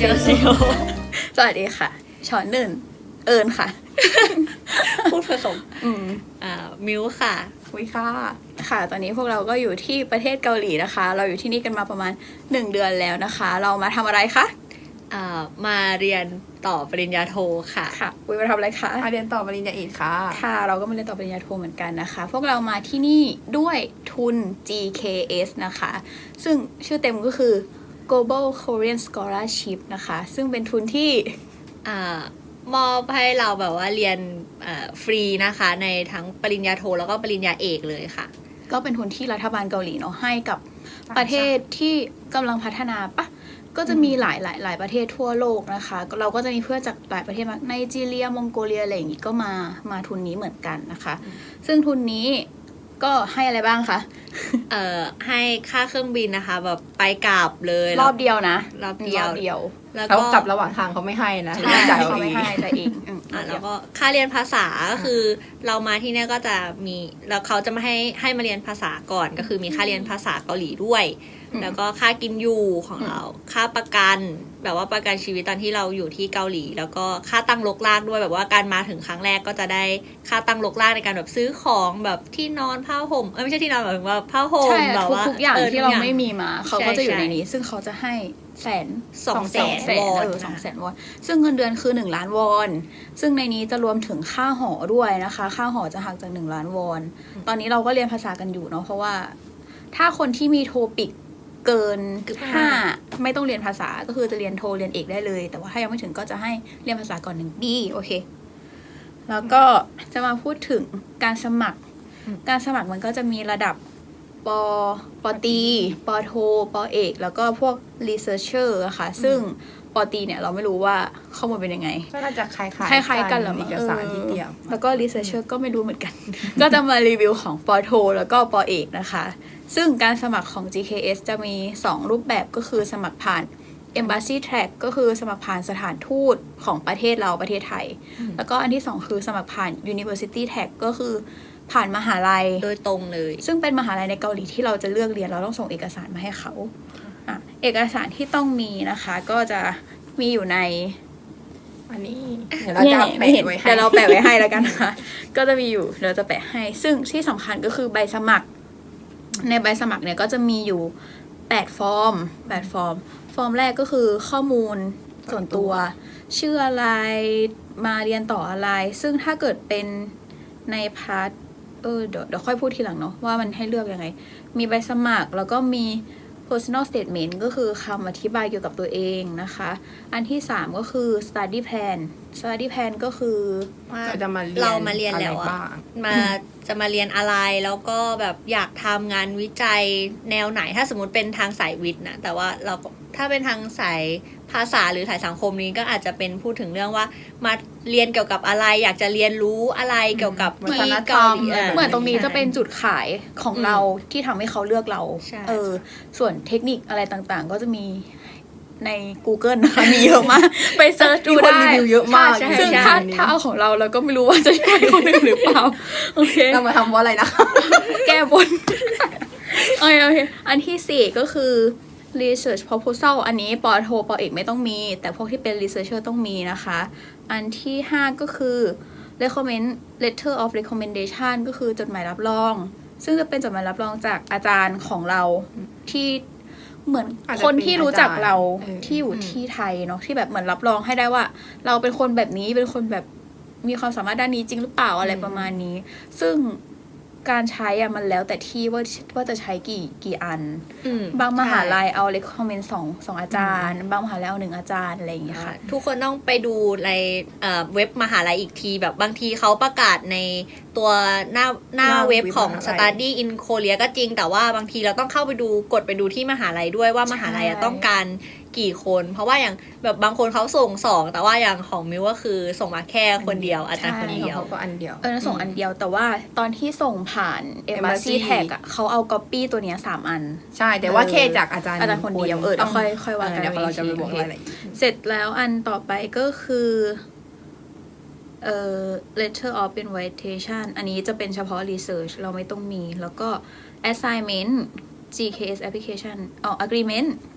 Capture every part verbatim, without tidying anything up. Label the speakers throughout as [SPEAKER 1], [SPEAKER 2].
[SPEAKER 1] ยเซลสวัสดีค่ะชอนหนึ่งเอิญค่ะ
[SPEAKER 2] พูดผสม
[SPEAKER 1] อืม
[SPEAKER 2] อ่ามิวค่ะ
[SPEAKER 3] วิค่ะ
[SPEAKER 1] ค่ะตอนนี้พวกเราก็อยู่ที่ประเทศเกาหลีนะคะเราอยู่ที่นี่กันมาประมาณหนึ่งเดือนแล้วนะคะเรามาทำอะไรคะ
[SPEAKER 2] อ่ามาเรียนต่อปริญญาโทค่ะ
[SPEAKER 1] ค่ะวิมาทำอะไรคะ
[SPEAKER 3] มาเรียนต่อปริญญาเอกค่ะ
[SPEAKER 1] ค่ะเราก็มาเรียนต่อปริญญาโทเหมือนกันนะคะพวกเรามาที่นี่ด้วยทุน จี เค เอส นะคะซึ่งชื่อเต็มก็คือ Global Korean Scholarship นะคะซึ่งเป็นทุนที่
[SPEAKER 2] อ่ามอบให้เราแบบว่าเรียนฟรีนะคะในทั้งปริญญาโทแล้วก็ปริญญาเอกเลยค่ะ
[SPEAKER 1] ก็เป็นทุนที่รัฐบาลเกาหลีเนาะให้กับประเทศที่กำลังพัฒนาปะก็จะมีหลายหลายหลายประเทศทั่วโลกนะคะเราก็จะมีเพื่อนจากหลายประเทศมากไนจีเรียมองโกเลียอะไรอย่างงี้ก็มามาทุนนี้เหมือนกันนะคะซึ่งทุนนี้ก็ให้อะไรบ้างคะ
[SPEAKER 2] เอ่อให้ค่าเครื่องบินนะคะแบบไปกลับเลย
[SPEAKER 1] รอบเดียวนะ
[SPEAKER 2] รอบเดียว
[SPEAKER 1] รอบเดียว
[SPEAKER 3] แล้วก็กลับระหว่างทางเขาไม่ให้นะ
[SPEAKER 1] จ่ายเขาไม่ให้แต่เอง
[SPEAKER 2] อ่าแล้วก็ค่าเรียนภาษาก็คือเรามาที่นี่ก็จะมีแล้วเขาจะมาให้ให้มาเรียนภาษาก่อนก็คือมีค่าเรียนภาษาเกาหลีด้วยแล้วก็ค่ากินอยู่ของเราค่าประกันแบบว่าประกันชีวิตตอนที่เราอยู่ที่เกาหลีแล้วก็ค่าตั้งรกรากด้วยแบบว่าการมาถึงครั้งแรกก็จะได้ค่าตั้งรกรากในการแบบซื้อของแบบที่นอนผ้าห่มเออไม่ใช่ที่นอนแบบว่าผ้าห่มแบบว่า
[SPEAKER 1] ทุกอย่างที่เราไม่มีมาเขาก็จะอยู่ในนี้ซึ่งเขาจะให้แสน
[SPEAKER 2] สองแสนวอน
[SPEAKER 1] เออสองแสนวอนซึ่งเงินเดือนคือหนึ่งล้านวอนซึ่งในนี้จะรวมถึงค่าหอด้วยนะคะค่าหอจะหักจากหนึ่งล้านวอนตอนนี้เราก็เรียนภาษากันอยู่เนาะเพราะว่าถ้าคนที่มีโทปิกเกินห้าไม่ต้องเรียนภาษาก็คือจะเรียนโทเรียนเอกได้เลยแต่ว่าถ้ายังไม่ถึงก็จะให้เรียนภาษาก่อนหนึ่งดีโอเคแล้วก็จะมาพูดถึงการสมัครการสมัครมันก็จะมีระดับปปตีปโทปเอกแล้วก็พวก researcher อะค่ะซึ่งปตีเนี่ยเราไม่รู้ว่าข้อมูลเป็นยังไง
[SPEAKER 3] ก็น่าจะคล้ายๆ
[SPEAKER 1] คล้ายๆกันแหละ
[SPEAKER 3] เอกสารที่เตรียม
[SPEAKER 1] แล้วก็ researcher ก็ไม่รู้เหมือนกัน ก็จะมารีวิวของปโทแล้วก็ปเอกนะคะซึ่งการสมัครของ จี เค เอส จะมีสองรูปแบบก็คือสมัครผ่าน Embassy Track ก็คือสมัครผ่านสถานทูตของประเทศเราประเทศไทยแล้วก็อันที่สองคือสมัครผ่าน University Track ก็คือผ่านมหาลัย
[SPEAKER 2] โดยตรงเลย
[SPEAKER 1] ซึ่งเป็นมหาลัยในเกาหลีที่เราจะเลือกเรียนเราต้องส่งเอกสารมาให้เขาอ่ะเอกสารที่ต้องมีนะคะก็จะมีอยู่ใน
[SPEAKER 3] อันนี้เดี๋ยวเราจะแปะไว้ให้
[SPEAKER 1] เดี๋ยวเราแปะไว้ให้แล้วกันนะคะก็จะมีอยู่เราจะแปะให้ซึ่งที่สำคัญก็คือใบสมัครในใบสมัครเนี่ยก็จะมีอยู่แปดฟอร์มแปดฟอร์มฟอร์มแรกก็คือข้อมูลส่วนตัวชื่ออะไรมาเรียนต่ออะไรซึ่งถ้าเกิดเป็นในพาร์ทเออเดี๋ยวเดี๋ยวค่อยพูดทีหลังเนาะว่ามันให้เลือกยังไงมีใบสมัครแล้วก็มี personal statement ก็คือคำอธิบายเกี่ยวกับตัวเองนะคะอันที่สามก็คือ study plan study plan ก็คือ
[SPEAKER 3] เราจะมาเรียน
[SPEAKER 2] เรามาเรียนแล้วอะมาจะมาเรียนอะไรแล้วก็แบบอยากทำงานวิจัยแนวไหนถ้าสมมติเป็นทางสายวิทย์นะแต่ว่าเราถ้าเป็นทางสายภาษาหรือสายสังคมนี้ก็อาจจะเป็นพูดถึงเรื่องว่ามาเรียนเกี่ยวกับอะไรอยากจะเรียนรู้อะไรเกี่ยวกับที่เกาหลี
[SPEAKER 1] เหมือนตรงนี้จะเป็นจุดขายของเราที่ทำให้เขาเลือกเราเออส่วนเทคนิคอะไรต่างๆก็จะมีใน Google นะคะมีเยอะมากไปเซิร์ชดูได้
[SPEAKER 3] รีวิวเยอะมาก
[SPEAKER 1] ซึ่งถ้าถ้าเอาของเราเราก็ไม่รู้ว่าจะช่วยคนอื่นหรือเปล่าโอเค
[SPEAKER 3] เรามาทำว่าอะไรนะ
[SPEAKER 1] แก้บนโอเคโอเคอันที่สี่ก็คือ research proposal อันนี้ปอโทปอเอกไม่ต้องมีแต่พวกที่เป็น researcher ต้องมีนะคะอันที่ห้าก็คือ recommend letter of recommendation ก็คือจดหมายรับรองซึ่งจะเป็นจดหมายรับรองจากอาจารย์ของเราที่เหมือนคนที่รู้จักเราที่อยู่ที่ไทยเนาะที่แบบเหมือนรับรองให้ได้ว่าเราเป็นคนแบบนี้เป็นคนแบบมีความสามารถด้านนี้จริงหรือเปล่าอะไรประมาณนี้ซึ่งการใช้อะมันแล้วแต่ที่ว่าว่าจะใช้กี่กี่อันบางมหาลัยเอา recommend สองสองอาจารย์บางมหาลัยเอาหนึ่งอาจารย์อะไรอย่างเงี้ยค่ะ
[SPEAKER 2] ทุกคนต้องไปดูในเว็บมหาลัยอีกทีแบบบางทีเขาประกาศในตัวหน้าหน้าเว็บของ Study in Korea ก็จริงแต่ว่าบางทีเราต้องเข้าไปดูกดไปดูที่มหาลัยด้วยว่ามหาลัยต้องการกี่คนเพราะว่าอย่างแบบบางคนเขาส่งสองแต่ว่าอย่างของมิวก็คือส่งมาแค่คนเดียวอาจารย์คนเดียว
[SPEAKER 3] ก็อันเดียว
[SPEAKER 1] เออส่งอันเดียวแต่ว่าตอนที่ส่งผ่าน Embassy Tag อ่ะเขาเอา copy ตัวเนี้ยสามอัน
[SPEAKER 3] ใช่แต่ว่าเคจากอาจารย์
[SPEAKER 1] อาจารย์คนเดียวเออค่อยค่อยว่ากัน
[SPEAKER 3] เดี๋ยวเราจะไปบอกอะไร
[SPEAKER 1] เสร็จแล้วอันต่อไปก็คือเอ่อ letter of invitation อันนี้จะเป็นเฉพาะ research เราไม่ต้องมีแล้วก็ assignment จี เค เอส application อ๋อ agreement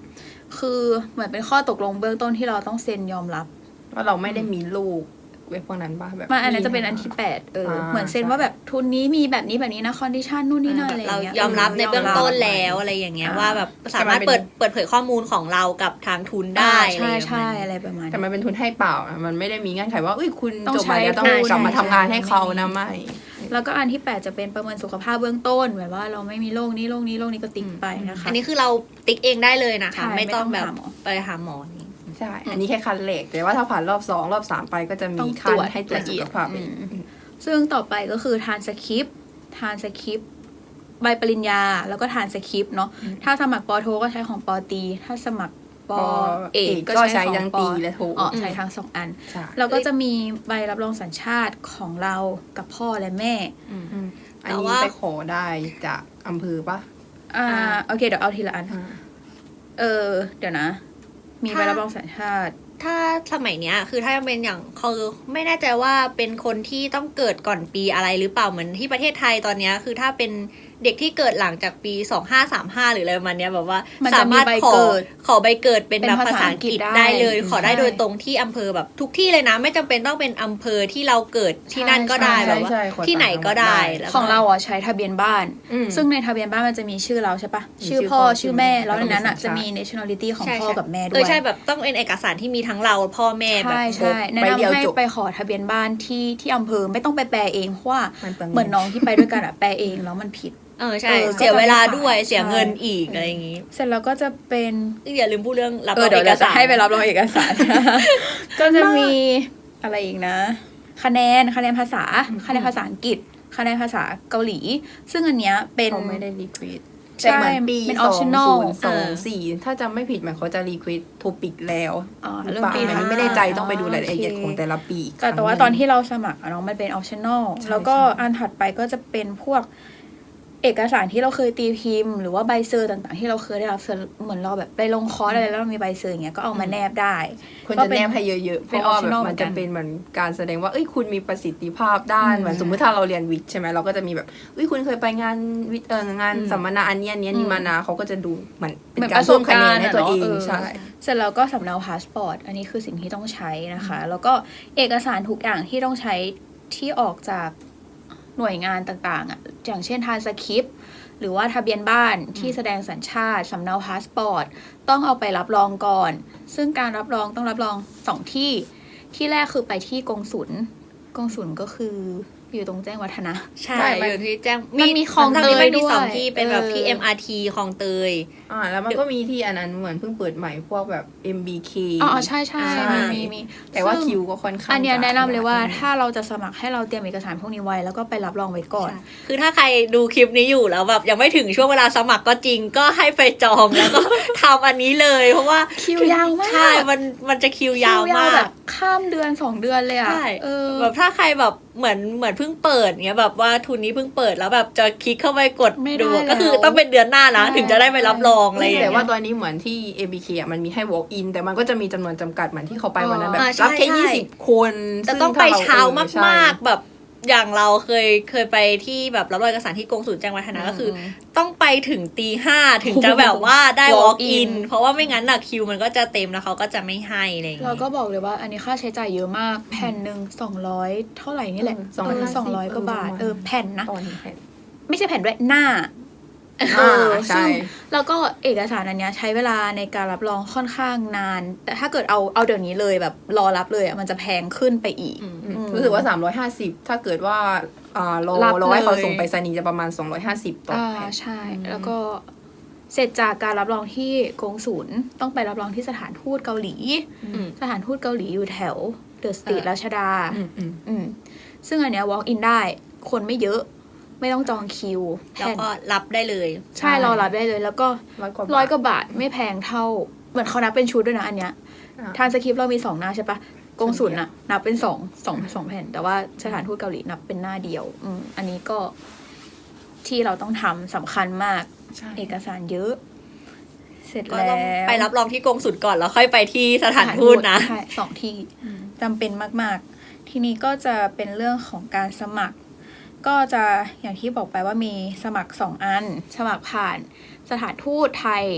[SPEAKER 1] คือเหมือนเป็นข้อตกลงเบื้องต้นที่เราต้องเซ็นยอมรับ
[SPEAKER 3] ว่าเราไม่ได้มีลูกเว็บพวกนั้นป่ะแบบ
[SPEAKER 1] มาอันนั้นจะเป็นอันที่แปดเอออา เหมือนเซ็นว่าแบบทุนนี้มีแบบนี้แบบนี้นะคอนดิชันนู่นนี่นั่นอะไรอ
[SPEAKER 2] เรา
[SPEAKER 1] ย่างเงี้ย
[SPEAKER 2] ยอมรับในเบื้องต้น
[SPEAKER 1] ยมรับ
[SPEAKER 2] แล้วอะไรอย่างเงี้ย
[SPEAKER 1] อ่า
[SPEAKER 2] ว่าแบบสามารถเปิดเปิดเผยข้อมูลของเรากับทางทุนได้
[SPEAKER 1] ใช่ใช่
[SPEAKER 2] อะไร
[SPEAKER 1] อะไรประมาณ
[SPEAKER 3] แต่มันเป็นทุนให้เปล่าอะมันไม่ได้มีเงื่อนไขว่าเอ้ยคุณ
[SPEAKER 1] ต้อง
[SPEAKER 3] จบมาแล้ว
[SPEAKER 1] ใช้
[SPEAKER 3] ต้อง
[SPEAKER 1] ทุน
[SPEAKER 3] กลับมา
[SPEAKER 1] ใช่
[SPEAKER 3] ทำงานให้เขา
[SPEAKER 1] ใช่
[SPEAKER 3] นะไม่
[SPEAKER 1] แล้วก็อันที่แปดจะเป็นประเมินสุขภาพเบื้องต้นแบบว่าเราไม่มีโรคนี้โรคนี้โรคนี้ก็ติ๊กไปนะคะ
[SPEAKER 2] อันนี้คือเราติ๊กเองได้เลยนะคะ
[SPEAKER 1] ใช่
[SPEAKER 2] ไม่ต้องแบบ
[SPEAKER 1] ไม่ต้องหาหมอ
[SPEAKER 2] ไปหาหมอนี่
[SPEAKER 3] ใช่ อันนี้แค่คันเหล็กแต่ว่าถ้าผ่านรอบสองรอบสามไปก็จะ
[SPEAKER 1] ต้
[SPEAKER 3] มี
[SPEAKER 1] อง
[SPEAKER 3] คั
[SPEAKER 1] ต
[SPEAKER 3] น
[SPEAKER 1] รวจ
[SPEAKER 3] ให้ตรวจ
[SPEAKER 1] ละ
[SPEAKER 3] สุ
[SPEAKER 1] เอีย
[SPEAKER 3] ข
[SPEAKER 1] ด
[SPEAKER 3] ภาพ
[SPEAKER 1] อื
[SPEAKER 3] เอง
[SPEAKER 1] ม ซึ่งต่อไปก็คือทานสคริปต์ทานสคริปต์ใบปริญญาแล้วก็ทานสคริปต์เนาะถ้าสมัครปอโทก็ใช้ของปอตี ถ้าสมัครปอเอกก็
[SPEAKER 3] ก็
[SPEAKER 1] ใช้
[SPEAKER 3] ใช้
[SPEAKER 1] ของ
[SPEAKER 3] ทั้ง
[SPEAKER 1] ป
[SPEAKER 3] ตี
[SPEAKER 1] อ
[SPEAKER 3] และโท
[SPEAKER 1] อ๋อใช้ทั้งสองอัน
[SPEAKER 3] ใช่
[SPEAKER 1] แล้วก็จะมีใบรับรองสัญชาติของเรากับพ่อและแม่
[SPEAKER 3] อืมอัน
[SPEAKER 2] แต่
[SPEAKER 3] นี้
[SPEAKER 2] ว่า
[SPEAKER 3] ไปขอได้จากอำเภอปะ
[SPEAKER 1] อ่าโอเคเดี๋ยวเอาทีละอัน
[SPEAKER 3] อ่า
[SPEAKER 1] เออ เดี๋ยวนะ มีใบรับรองสัญชาติ
[SPEAKER 2] ถ้าสมัยเนี้ยคือถ้าเป็นอย่างคือไม่แน่ใจว่าเป็นคนที่ต้องเกิดก่อนปีอะไรหรือเปล่าเหมือนที่ประเทศไทยตอนเนี้ยคือถ้าเป็นเด็กที่เกิดหลังจากปีสองห้าสามห้าหรืออะไรประมาณเนี้ยแบบว่า
[SPEAKER 1] มัน
[SPEAKER 2] สา
[SPEAKER 1] จะมี
[SPEAKER 2] มารถ
[SPEAKER 1] ใบ
[SPEAKER 2] ขอ
[SPEAKER 1] เกิด
[SPEAKER 2] ขอใบเกิดเป็น
[SPEAKER 1] เป็น
[SPEAKER 2] แบบภา
[SPEAKER 1] ภา
[SPEAKER 2] ษา
[SPEAKER 1] ษา
[SPEAKER 2] อั
[SPEAKER 1] อั
[SPEAKER 2] ง
[SPEAKER 1] ง
[SPEAKER 2] ก
[SPEAKER 1] ก
[SPEAKER 2] ฤ
[SPEAKER 1] ฤ
[SPEAKER 2] ษ
[SPEAKER 1] ษ
[SPEAKER 2] ได้เลย
[SPEAKER 1] ได้
[SPEAKER 2] ขอได้
[SPEAKER 1] ใช่
[SPEAKER 2] โดยตรงที่อำเภอแบบทุกที่เลยนะ ไม่จำเป็นต้องเป็นอำเภอที่เราเกิดที่นั่นก็ได้
[SPEAKER 1] ใช่
[SPEAKER 2] แบบว่า
[SPEAKER 3] ใช่ขอ
[SPEAKER 2] ที่ไหนก็ได้
[SPEAKER 3] ต่างจังหวัดได้
[SPEAKER 2] แล้วก็
[SPEAKER 1] ของเราอ่ะใช้ทะเบียนบ้าน
[SPEAKER 3] อืม
[SPEAKER 1] ซึ่งในทะเบียนบ้านมันจะมีชื่อเราใช่ปะ
[SPEAKER 3] มี
[SPEAKER 1] ชื่อ
[SPEAKER 3] ชื่อ
[SPEAKER 1] พ่อ
[SPEAKER 3] พ่อ
[SPEAKER 1] ชื่อแม่
[SPEAKER 3] ชื่อแม่
[SPEAKER 1] แล้วในนั้นอ่ะ
[SPEAKER 3] แล้วก็
[SPEAKER 1] จะ
[SPEAKER 3] มี
[SPEAKER 1] มี nationality ของ
[SPEAKER 2] ใช่
[SPEAKER 1] พ่อ
[SPEAKER 2] ใช่
[SPEAKER 1] กับแม่ด้
[SPEAKER 2] เอ
[SPEAKER 1] ว
[SPEAKER 2] อย ใช่แบบต้องเป็นเอกสารที่มีทั้งเราพ่อแม่แบบ
[SPEAKER 1] ใช่
[SPEAKER 2] ครบ
[SPEAKER 1] ใช่แนะ
[SPEAKER 3] ใบเดียวน
[SPEAKER 1] ำให้
[SPEAKER 3] จบ
[SPEAKER 1] ไปขอทะเบียนบ้านที่ที่อำเภอไม่ต้องไปแปลเองเพราะว่า
[SPEAKER 3] มันเปลืองเงิน
[SPEAKER 1] เหมือนน้องที่ไปด้วยกันอ่ะแปลเองแล้วมันผิด
[SPEAKER 2] เออใช่
[SPEAKER 1] เออ
[SPEAKER 2] เสียเวลา
[SPEAKER 1] ก็จะไม่
[SPEAKER 2] ด้วย
[SPEAKER 1] ผ่าน
[SPEAKER 2] เสียเงิน
[SPEAKER 1] ใช่
[SPEAKER 2] อีกอะไรอย่างงี้
[SPEAKER 1] เสร็จแล้วก็จะเป็น
[SPEAKER 2] อย่าลืมพูดเรื่องรับ
[SPEAKER 1] เอ
[SPEAKER 2] ร
[SPEAKER 1] อ
[SPEAKER 2] อง
[SPEAKER 1] เดี๋ยว
[SPEAKER 2] เอก
[SPEAKER 1] เราจะ
[SPEAKER 2] สาร
[SPEAKER 1] ให้ไปรับรองเอกสาร ก็จะมีอะไรอีกนะ คะแนนคะแนนภาษาคะแนนภาษาอังกฤษคะแนนภาษาเกาหลี ซึ่งอันเนี้ยเป็น
[SPEAKER 3] เขาไม่ได้รีควิด
[SPEAKER 1] ใช่
[SPEAKER 3] แต่เหมือนปี
[SPEAKER 1] เป็น
[SPEAKER 3] สอง
[SPEAKER 1] optional
[SPEAKER 3] ศูนย์สองสี่ถ้าจำไม่ผิดเหมือนเขาจะรีควิดโทปิกแล้ว
[SPEAKER 1] อ๋อ
[SPEAKER 3] หรือ
[SPEAKER 1] เรื่อง
[SPEAKER 3] เปล่า
[SPEAKER 1] ปี
[SPEAKER 3] อันนี้
[SPEAKER 1] นะ
[SPEAKER 3] ไม่ได้ใจต้องไปดูรายละเอียด
[SPEAKER 1] โอเค
[SPEAKER 3] ของแต่ละปีอีก
[SPEAKER 1] แต่แต่ว่า
[SPEAKER 3] ครั้งหง
[SPEAKER 1] ตอนที่เราสมัครอะเนาะมันเป็น optional
[SPEAKER 3] ใช่
[SPEAKER 1] แล้วก็
[SPEAKER 3] ใช่
[SPEAKER 1] อันถัดไปก็จะเป็นพวกเอกสารที่เราเคยตีพิมพ์ หรือว่าใบเซอร์ต่างๆ ที่เราเคยได้รับเซอร์เหมือนเราแบบไปลงคอร์สอะไรแล้วเรามีใบเซอร์อย่างเงี้ยก็เอามาแนบได้
[SPEAKER 3] ควร
[SPEAKER 1] ก็
[SPEAKER 3] จะ
[SPEAKER 1] เป็น
[SPEAKER 3] แนบให้เยอะๆ เพ
[SPEAKER 1] เป็น
[SPEAKER 3] ราะว่าแบบ
[SPEAKER 1] optional
[SPEAKER 3] มันจะ
[SPEAKER 1] เหมือนกัน
[SPEAKER 3] เป็นเหมือนการแสดงว่า เอ้ย คุณมีประสิทธิภาพด้าน
[SPEAKER 1] อืม
[SPEAKER 3] เหมือนสมมติถ้าเราเรียนวิทย์ใช่ไหมเราก็จะมีแบบเอ้ย คุณเคยไปงานวิทย์เอองาน
[SPEAKER 1] อืม
[SPEAKER 3] สัมมนาอันเนี้ยอันเนี้ยนี่มานะเขาก็จะดูเหมือนเป็
[SPEAKER 1] เหมือน
[SPEAKER 3] นการเพิ่มคะแนนให้ตัวเอง
[SPEAKER 1] ประสบการณ์อะเนอะ
[SPEAKER 3] ใช่
[SPEAKER 1] เสร็จแล้วก็สำเนาพาสปอร์ตอันนี้คือสิ่งที่ต้องใช้นะคะ แล้วก็เอกสารทุกอย่างที่ต้องใช้ที่ออกจากหน่วยงานต่างๆอ่ะอย่างเช่นทานสคริปต์หรือว่าทะเบียนบ้านที่แสดงสัญชาติสำเนาพาสปอร์ตต้องเอาไปรับรองก่อน ซึ่งการรับรองต้องรับรองสองที่ที่แรกคือไปที่กงสุลกงสุลก็คืออยู่ตรงแจ้งวัฒนะ
[SPEAKER 2] ใช่
[SPEAKER 3] ใช่มัน
[SPEAKER 2] อยู่ที่แจ้ง
[SPEAKER 1] มันมีคลอง
[SPEAKER 2] ทั้ที่มันมี
[SPEAKER 1] เตยด้วย
[SPEAKER 2] สองที่เป็นแบบที่
[SPEAKER 1] เออ
[SPEAKER 2] เอ็ม อาร์ ที คลองเตย
[SPEAKER 3] อ่าแล้วมันก็มีที่อันนั้นเหมือนเพิ่งเปิดใหม่พวกแบบ เอ็ม บี เค
[SPEAKER 1] อ๋อใช่ใช่
[SPEAKER 3] ใช่
[SPEAKER 1] มีมีมี
[SPEAKER 3] แต่ว่า
[SPEAKER 1] ซึ่ง
[SPEAKER 3] คิวก็ค่อนข้าง
[SPEAKER 1] อันเนี้ย
[SPEAKER 3] จะ
[SPEAKER 1] แนะนำเลยว่า
[SPEAKER 3] ขด
[SPEAKER 1] ถ้าเราจะสมัครให้เราเตรียมเอกสารพวกนี้ไว้แล้วก็ไปรับรองไว้ก่อน
[SPEAKER 2] คือถ้าใครดูคลิปนี้อยู่แล้วแบบยังไม่ถึงช่วงเวลาสมัครก็จริงก็ให้ไปจองแล้วก็ ทำอันนี้เลยเพราะว่า
[SPEAKER 1] คิวยาวมาก
[SPEAKER 2] ใช่มันมันจะคิวยาว
[SPEAKER 1] คิ
[SPEAKER 2] มาก
[SPEAKER 1] แบบข้ามเดือนสองเดือนเลยอ่ะ
[SPEAKER 2] ใช่
[SPEAKER 1] เออ
[SPEAKER 2] แบบถ้าใครแบบเหมือนเหมือนเพิ่งเปิดเงี้ยแบบว่าทุนนี้เพิ่งเปิดแล้วแบบจะคลิกเข้าไปกด
[SPEAKER 1] ไม่ได้
[SPEAKER 2] ดู
[SPEAKER 1] แล้ว
[SPEAKER 2] ก็คือต้องเป็นเดือนหน้านะ
[SPEAKER 1] ใช่
[SPEAKER 2] ถึงจะได้ไปรับรองอะไรอย่าง
[SPEAKER 3] แต่
[SPEAKER 2] เงี้ย
[SPEAKER 3] ว่าตอนนี้เหมือนที่ เอ็ม บี เค อ่ะมันมีให้ walk in แต่มันก็จะมีจำนวนจำกัดเหมือนที่เขาไปวันนั้นแบบ
[SPEAKER 2] อ่าใช่
[SPEAKER 3] รับแค่
[SPEAKER 2] ใช่
[SPEAKER 3] ยี่สิบคน
[SPEAKER 2] แต่
[SPEAKER 3] ซึ่
[SPEAKER 2] ต้องไป
[SPEAKER 3] ถ้ร
[SPEAKER 2] เช้า
[SPEAKER 3] ออใช่
[SPEAKER 2] มากๆแบบอย่างเราเคยเคยไปที่แบบรับรองเอกสารที่กงสุลแจ้งวัฒนะก็คือ ต้องไปถึงตีห้าถึงจะแบบว่าได้
[SPEAKER 1] walk
[SPEAKER 2] walk
[SPEAKER 1] in
[SPEAKER 2] in เพราะว่าไม่งั้นน่ะคิวมันก็จะเต็มแล้วเขาก็จะไม่ให้อะไรอย่าง
[SPEAKER 1] เรา
[SPEAKER 2] เงี้ย
[SPEAKER 1] ก็บอกเลยว่าอันนี้ค่าใช้จ่ายเยอะมากแผ่นหนึ่งสองร้อยเท่าไหร่นี่แหละ
[SPEAKER 3] สองร้อยห้าสิบ
[SPEAKER 1] สองร้อยกว่าบาท
[SPEAKER 3] เออ
[SPEAKER 1] เออแผ่นนะ
[SPEAKER 3] ตอนนี้แผ่น
[SPEAKER 1] ไม่ใช่แผ่นด้วยหน้า
[SPEAKER 3] อ่า
[SPEAKER 1] เออ
[SPEAKER 3] ใช่
[SPEAKER 1] ซึ่งแล้วก็เอกสารอันเนี้ยใช้เวลาในการรับรองค่อนข้างนาน แต่ถ้าเกิดเอาเอาเดี๋ยวนี้เลยแบบรอรับเลยอ่ะมันจะแพงขึ้นไปอีก
[SPEAKER 2] อืม
[SPEAKER 3] อืม
[SPEAKER 1] อืม
[SPEAKER 3] รู้สึกว่า สามร้อยห้าสิบ ถ้าเกิดว่าอ่ารอ
[SPEAKER 1] รับ
[SPEAKER 3] รอให้เขา
[SPEAKER 1] เลย
[SPEAKER 3] ส่งไปรษณีย์จะประมาณ สองร้อยห้าสิบ ต่อ
[SPEAKER 1] อ่า
[SPEAKER 3] แผ่น
[SPEAKER 1] ใช่ แล้วก็เสร็จจากการรับรองที่กงสุลต้องไปรับรองที่สถานทูตเกาหลี
[SPEAKER 2] อืม
[SPEAKER 1] สถานทูตเกาหลีอยู่แถวเดอะสตรีท
[SPEAKER 2] เออ
[SPEAKER 1] ราชดา
[SPEAKER 3] อืมอืม
[SPEAKER 1] อืมซึ่งอันเนี้ย walk in ได้ คนไม่เยอะ ไม่ต้องจองคิว
[SPEAKER 2] แล้ว
[SPEAKER 1] แผ่น
[SPEAKER 2] ก็รับได้เลย
[SPEAKER 1] ใช่รอรับได้เลย แล้วก็
[SPEAKER 3] ร้อยกว่า
[SPEAKER 1] ร้อย
[SPEAKER 3] บาท
[SPEAKER 1] กว่าบาทไม่แพงเท่า เหมือนเขานับเป็นชุดด้วยนะอันเนี้ย
[SPEAKER 3] อ่า
[SPEAKER 1] ทานสคริปต์เรามีสองหน้าใช่ปะกงสุลน่ะ นับเป็นสองสองสองแผ่น แต่ว่าสถานทูตเกาหลีนับเป็นหน้าเดียว อืมอันนี้ก็ที่เราต้องทำสำคัญมาก
[SPEAKER 3] ใช่
[SPEAKER 1] เอกสารเยอะ เสร็จ
[SPEAKER 2] ก็
[SPEAKER 1] แล้
[SPEAKER 2] ต้อง
[SPEAKER 1] ว
[SPEAKER 2] ไปรับรองที่กงสุลก่อนแล้วค่อยไปที่สถานทูตนะ
[SPEAKER 1] ใช่สองที่จำเป็นมาก ๆ ทีนี้ก็จะเป็นเรื่องของการสมัคร ก็จะอย่างที่บอกไปว่ามีสมัครสองอัน สมัครผ่านสถานทูตไทย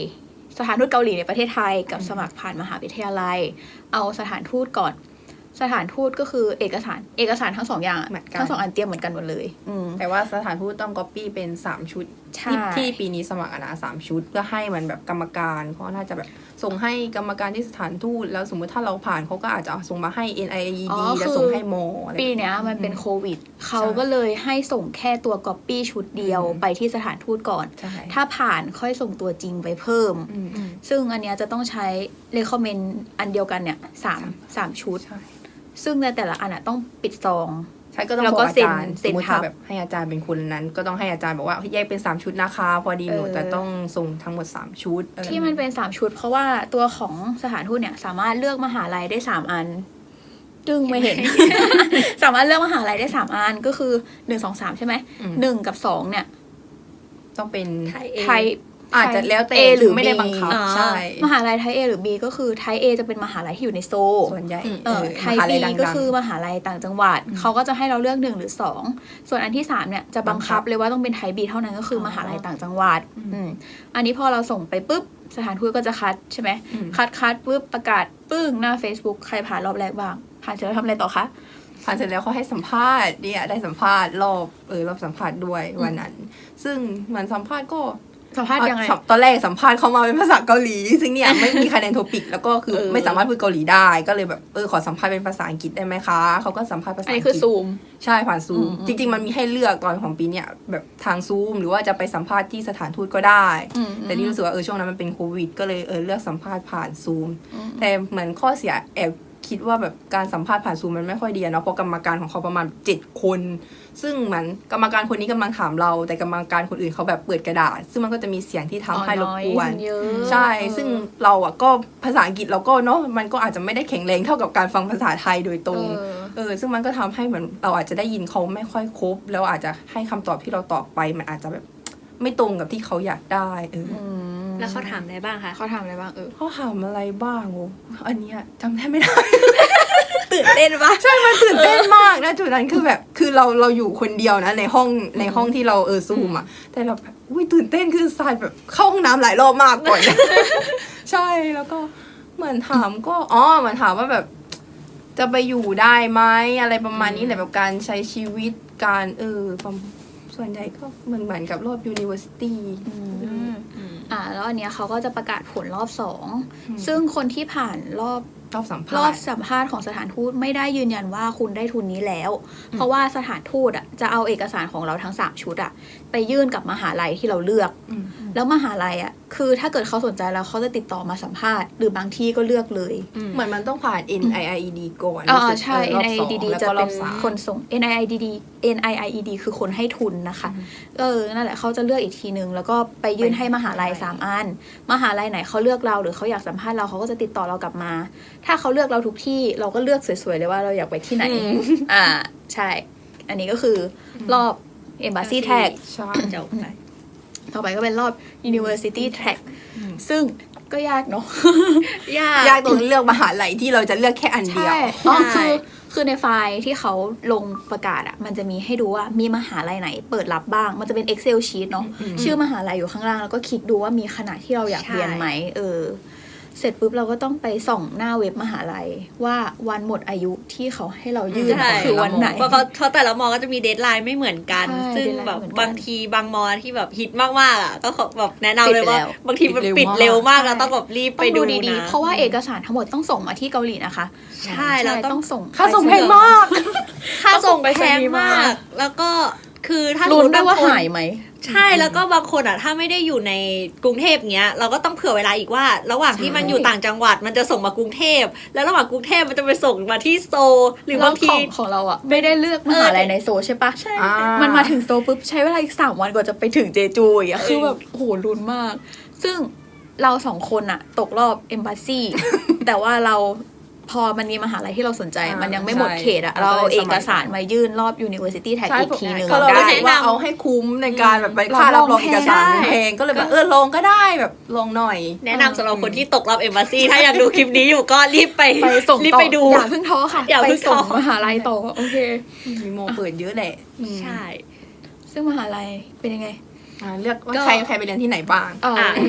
[SPEAKER 1] สถานทูตเกาหลีในประเทศไทยกับสมัครผ่านมหาวิทยาลัยเอาสถานทูตก่อนสถานทูตก็คือเอกสารเอกสารทั้งสองอย่าง
[SPEAKER 3] เหมือนกัน
[SPEAKER 1] ทั้งสองอันเตรียมเหมือนกันหมดเลยอืม
[SPEAKER 3] แต่ว่าสถานทูตต้องก๊อปปี้เป็นสามชุด
[SPEAKER 1] ใช่
[SPEAKER 3] ที่ที่ปีนี้สมัครอะนะสามชุดเพื่อให้มันแบบกรรมการเขาน่าจะแบบส่งให้กรรมการที่สถานทูตแล้วสมมติถ้าเราผ่านเขาก็อาจจะส่งมาให้ เอ็น ไอ อี
[SPEAKER 1] อ๋
[SPEAKER 3] ดี
[SPEAKER 1] อ
[SPEAKER 3] แล้ว
[SPEAKER 1] คือ
[SPEAKER 3] ส่งให้โมอะไร
[SPEAKER 1] ปีเนี้ยมันเป็นโควิดเขาก็เลยให้ส่งแค่ตัวก๊อปปี้ชุดเดียว
[SPEAKER 3] อืม
[SPEAKER 1] ไปที่สถานทูตก่อน
[SPEAKER 3] ใช่
[SPEAKER 1] ถ้าผ่านค่อยส่งตัวจริงไปเพิ่ม
[SPEAKER 3] อืมอืม
[SPEAKER 1] ซึ่งอันเนี้ยจะต้องใช้ recommend อันเดียวกันเนี่ยสามสามชุด
[SPEAKER 3] ใช่
[SPEAKER 1] ซึ่งในแต่ละอันอะต้องปิดซอง
[SPEAKER 3] ใช่ก็ต้อง
[SPEAKER 1] แล้ว
[SPEAKER 3] บ
[SPEAKER 1] ก็
[SPEAKER 3] อกอา
[SPEAKER 1] เซ็น
[SPEAKER 3] จารย์
[SPEAKER 1] เซ็
[SPEAKER 3] ส
[SPEAKER 1] น
[SPEAKER 3] มมติ
[SPEAKER 1] ทั
[SPEAKER 3] ถ้า
[SPEAKER 1] บ
[SPEAKER 3] แบบให้อาจารย์เป็นคนนั้น ก็ต้องให้อาจารย์บอกว่าแยกเป็นสามชุดนะคะพอดีหนู
[SPEAKER 1] เออ
[SPEAKER 3] แต่ต้องส่งทั้งหมดสามชุดอะไร
[SPEAKER 1] ที่มันเป็นสามชุด เพราะว่าตัวของสถานทูตเนี่ยสามารถเลือกมหาลัยได้สามอันจึงไม่เห็น สามารถเลือกมหาลัยได้สามอันก็คือหนึ่งสองสามใช่ไหม
[SPEAKER 3] อืม
[SPEAKER 1] หนึ่งกับสองเนี่ย
[SPEAKER 3] ต้องเป็น
[SPEAKER 2] ไทย
[SPEAKER 1] ไทย
[SPEAKER 3] อาจจะแล้วแต่
[SPEAKER 1] A หรือ
[SPEAKER 3] ไม่ได้
[SPEAKER 1] B
[SPEAKER 3] บังคับ
[SPEAKER 2] อ๋อ
[SPEAKER 3] ใช่
[SPEAKER 1] มหาลัยไทย A หรือ B ก็คือไทย A จะเป็นมหาลัยที่อยู่ในโซล
[SPEAKER 3] ส่วนใหญ่
[SPEAKER 1] เออไทย
[SPEAKER 3] มหา
[SPEAKER 1] B
[SPEAKER 3] ลัดังๆ
[SPEAKER 1] ก็คือมหาลัยต่างจังหวัด เขาก็จะให้เราเลือกหนึ่งหรือสองส่วนอันที่สามเนี่ยจะบังคับเลยว่าต้องเป็นไทย B เท่านั้นก็คือมหาลัยต่างจังหวัดอืมอันนี้พอเราส่งไปปุ๊บสถานทูตก็จะคัดใช่ไหม
[SPEAKER 3] อืม
[SPEAKER 1] คัดคัดปุ๊บประกาศปึ้งหน้า Facebook ใครผ่านรอบแรกบ้าง ผ่านเสร็จแล้วทำอะไรต่อคะ
[SPEAKER 3] ผ่านเสร็จแล้วเขาให้สัมภาษณ์เนี่ยได้สัมภาษณ์รอบเออรอบสัมภาษณ์ด้วยวันนั้น ซึ่งเหมือนสัมภาษณ์ก็
[SPEAKER 1] สัมภาษณ์ยังไง
[SPEAKER 3] อ่ะตอนแรกสัมภาษณ์เขามาเป็นภาษาเกาหลี ซึ่งเนี่ยไม่มีคะแนนโทปิกแล้วก็คือ
[SPEAKER 1] เออ
[SPEAKER 3] ไม่สามารถพูดเกาหลีได้ก็เลยแบบเออขอสัมภาษณ์เป็นภาษาอังกฤษได้ไหมคะเขาก็สัมภาษณ์ภาษา
[SPEAKER 1] อัน
[SPEAKER 3] อั
[SPEAKER 1] นี้
[SPEAKER 3] งก
[SPEAKER 1] คือ
[SPEAKER 3] ฤษ
[SPEAKER 1] ซูม
[SPEAKER 3] ใช่ผ่านซูม
[SPEAKER 1] อืม
[SPEAKER 3] จริงๆมันมีให้เลือกตอนของปีเนี่ยแบบทางซูมหรือว่าจะไปสัมภาษณ์ที่สถานทูตก็ได้
[SPEAKER 1] อืม
[SPEAKER 3] แต่นี่รู้สึกว่าเออช่วงนั้นมันเป็นโควิดก็เลยเออเลือกสัมภาษณ์ผ่านซูม
[SPEAKER 1] อืม
[SPEAKER 3] แต่เหมือนข้อเสียแอบคิดว่าแบบการสัมภาษณ์ผ่านซูมมันไม่ค่อยดีอะเนาะเพราะกรรมการของเขาประมาณเจ็ดคน ซึ่งเหมือนกรรมการคนนี้กำลังถามเรา แต่กรรมการคนอื่นเขาแบบเปิดกระดาษ ซึ่งมันก็จะมีเสียงที่ทำให้รบกวน
[SPEAKER 1] อ๋อ noise เยอะ
[SPEAKER 3] ใช่
[SPEAKER 1] เออ
[SPEAKER 3] ซึ่งเราอะก็ภาษาอังกฤษเราก็เนาะมันก็อาจจะไม่ได้แข็งแรงเท่ากับการฟังภาษาไทยโดยตรง
[SPEAKER 1] เออ
[SPEAKER 3] เออซึ่งมันก็ทำให้เหมือนเราอาจจะได้ยินเขาไม่ค่อยครบ แล้วอาจจะให้คำตอบที่เราตอบไปมันอาจจะแบบไม่ตรงกับที่เขาอยากได้เออ
[SPEAKER 1] อืม
[SPEAKER 2] แล้วเขาถามอะไรบ้างคะ
[SPEAKER 1] เขาทำอะไรบ้างเออ
[SPEAKER 3] เขาถามอะไรบ้างโอ้อันเนี้ยจำได้ไม่ได้
[SPEAKER 2] ตื่นเต้นปะ
[SPEAKER 3] ใช่มันตื่นเต้นมากนะจุดนั้นคือแบบคือเราเราอยู่คนเดียวนะในห้องในห้องที่เราเออซูมอ่ะแต่เราแบบอุ้ยตื่นเต้นคือสายแบบเข้าห้องน้ำหลายรอบมากก่อน ใช่แล้วก็เหมือนถามก็อ๋อเหมือนถามว่าแบบ จะไปอยู่ได้ไหมอะไรประมาณนี้แหละแบบการใช้ชีวิตการเออประมาณส่วนใหญ่ก็เหมือนเหมือนกับรอบ university
[SPEAKER 1] อ่าแล้วอันเนี้ยเขาก็จะประกาศผลรอบสอง
[SPEAKER 3] อืม
[SPEAKER 1] ซึ่งคนที่ผ่านรอบ
[SPEAKER 3] รอบสัมภาร
[SPEAKER 1] อบ
[SPEAKER 3] ษณ์
[SPEAKER 1] สัมภาษณ์ของสถานทูตไม่ได้ยืนยันว่าคุณได้ทุนนี้แล้ว เพราะว่าสถานทูตอ่ะจะเอาเอกสารของเราทั้งสามชุดอ่ะไปยื่นกับมหาลัยที่เราเลือก
[SPEAKER 3] อืม
[SPEAKER 1] แล้วมหาลัยอ่ะคือถ้าเกิดเขาสนใจแล้วเขาจะติดต่อมาสัมภาษณ์หรือบางที่ก็เลือกเลย
[SPEAKER 3] เหมือนมันต้องผ่าน เอ็น ไอ ไอ อี ดี ก่อน
[SPEAKER 1] อ่า
[SPEAKER 3] รู้สึก
[SPEAKER 1] ใช่
[SPEAKER 3] เออรอบสอง
[SPEAKER 1] เอ็น ไอ อี ดี
[SPEAKER 3] แล้ว
[SPEAKER 1] จะ
[SPEAKER 3] ก็ร
[SPEAKER 1] เป็
[SPEAKER 3] อน บสาม
[SPEAKER 1] คนส่ง เอ็น ไอ ไอ ดี เอ็น ไอ ไอ อี ดี คือคนให้ทุนนะคะ เออ นั่นแหละเขาจะเลือกอีกทีนึง แล้วก็ไปยื่นให้มหาลัยสามอัน มหาลัยไหนเขาเลือกเราหรือเขาอยากสัมภาษณ์เราเขาก็จะติดต่อเรากลับมา ถ้าเขาเลือกเราทุกที่เราก็เลือกสวยๆเลยว่าเราอยากไปที่ไหน อ่า ใช่ อันนี้ก็คือรอบ Embassy Tag
[SPEAKER 3] ใช่
[SPEAKER 2] จบไป
[SPEAKER 1] ต่อไปก็เป็นรอบ University Tag ซึ่งก็ยากเนาะ
[SPEAKER 2] ยาก
[SPEAKER 3] ยากตรงเลือกมหาลัยที่เราจะเลือกแค่อันเดียว
[SPEAKER 1] ใช่อ๋อ
[SPEAKER 2] ใช่
[SPEAKER 1] คือ คือในไฟล์ที่เขาลงประกาศอะมันจะมีให้ดูว่ามีมหาลัยไหนเปิดรับบ้าง มันจะเป็น Excel sheet เนาะ
[SPEAKER 3] อืม
[SPEAKER 1] ชื่อมหาลัยอยู่ข้างล่าง แล้วก็คลิกดูว่ามีคณะที่เราอยาก
[SPEAKER 2] ใช่
[SPEAKER 1] เรียนไหม เออ เสร็จปุ๊บเราก็ต้องไปส่องหน้าเว็บมหาลัยว่าวันหมดอายุที่เขาให้เรายื่น
[SPEAKER 2] ใช่
[SPEAKER 1] คือวันไหน
[SPEAKER 2] เพราะเขาเขาแต่ละมอก็จะมีเดทไลน์ไม่เหมือนกัน
[SPEAKER 1] ใช่
[SPEAKER 2] ซึ่ง
[SPEAKER 1] deadline
[SPEAKER 2] แบบ
[SPEAKER 1] ไม่เหมือนกัน
[SPEAKER 2] บางทีบางมอที่แบบฮิตมากๆอ่ะก็ขอแบบแนะนำเลยว่า
[SPEAKER 1] ปิดไปแล้ว
[SPEAKER 2] บางทีมัน
[SPEAKER 3] ปิ
[SPEAKER 2] ปิ
[SPEAKER 3] ด
[SPEAKER 2] ด
[SPEAKER 3] เร็
[SPEAKER 2] เร็
[SPEAKER 3] วมาม
[SPEAKER 2] วาก กแล้วต้องแบบรีบ
[SPEAKER 1] ต้
[SPEAKER 2] ไป
[SPEAKER 1] อง
[SPEAKER 2] ดู
[SPEAKER 1] ดูดี
[SPEAKER 2] นะ
[SPEAKER 1] ๆ เพราะว่าเอกสารทั้งหมดต้องส่งมาที่เกาหลีนะคะ
[SPEAKER 2] ใช่เราต้อง
[SPEAKER 1] ต้องส่ง
[SPEAKER 3] ค่าส่งแพงมาก
[SPEAKER 2] ค่าส่ง
[SPEAKER 1] ต้องส่งไป
[SPEAKER 2] แพง
[SPEAKER 1] สนีย์มาม
[SPEAKER 2] าก แล้วก็คือถ้า
[SPEAKER 1] ลุ้น
[SPEAKER 2] สมมุติ
[SPEAKER 1] ด้วยว่า
[SPEAKER 2] บงคน
[SPEAKER 1] หายไหม
[SPEAKER 2] ใช่แล้วก็บางคนอ่ะถ้าไม่ได้อยู่ในกรุงเทพเงี้ยเราก็ต้องเผื่อเวลาอีกว่า ระหว่างที่มันอยู่ต่างจังหวัดมันจะส่งมากรุงเทพแล้วระหว่างกรุงเทพมันจะไปส่งมาที่โซลหรือบางที
[SPEAKER 1] ของของเราอะไม่ได้เลือกมหาลัยในโซลใช่ปะ
[SPEAKER 2] ใช่
[SPEAKER 3] อ่า
[SPEAKER 1] มันมาถึงโซลปุ๊บใช้เวลาอีกสามวันกว่าจะไปถึงเจจูอีกอะคือแบบโหลุ้นมาก ซึ่งเราสองคนอะตกรอบเอมบ s ซี แต่ว่าเราพอมันมีมหาลัยที่เราสนใจ
[SPEAKER 3] อ่ามั
[SPEAKER 1] มันยังไม่หมดเขตอะ
[SPEAKER 3] ใช่
[SPEAKER 1] เราเอา
[SPEAKER 3] เราก็เลย
[SPEAKER 1] เอ
[SPEAKER 3] สมั
[SPEAKER 1] ก
[SPEAKER 3] คร
[SPEAKER 1] สารมายื่นรอบ University Tag
[SPEAKER 3] ใช่
[SPEAKER 1] อีกทีนึง
[SPEAKER 3] ก็เรา
[SPEAKER 1] ได้
[SPEAKER 3] รู้สึกว่าเอาให้คุ้มในการแบบไปค่ารับรองเอกสารมันแพงก็เลยแบบเออลงก็ได้แบบลงหน่อย
[SPEAKER 2] แนะนำสำหรับคนที่ตกรอบเอมบ s ซีถ้าอยากดูคลิปนี้อยู่ก็รีบไป
[SPEAKER 1] ไปส่ง
[SPEAKER 2] รีบ
[SPEAKER 1] ต่อ
[SPEAKER 2] ไปดู
[SPEAKER 1] อย่าเพิ่งท้อค่ะ
[SPEAKER 2] อย่า
[SPEAKER 1] ไป
[SPEAKER 2] เพิ่ง
[SPEAKER 1] ส่ง
[SPEAKER 2] ท้อ
[SPEAKER 1] มหาลัยต่อโอเค
[SPEAKER 3] มีโมเปิดเยอะแหละ
[SPEAKER 2] ใช่
[SPEAKER 1] ซึ่งมหาลัยเป็นยังไง
[SPEAKER 3] อ่าเลือกว่า
[SPEAKER 2] ก็
[SPEAKER 3] ใครใครไปเรียนที่ไหนบ้าง
[SPEAKER 1] เออ
[SPEAKER 2] อ่ะ
[SPEAKER 1] เรียนที่ไหน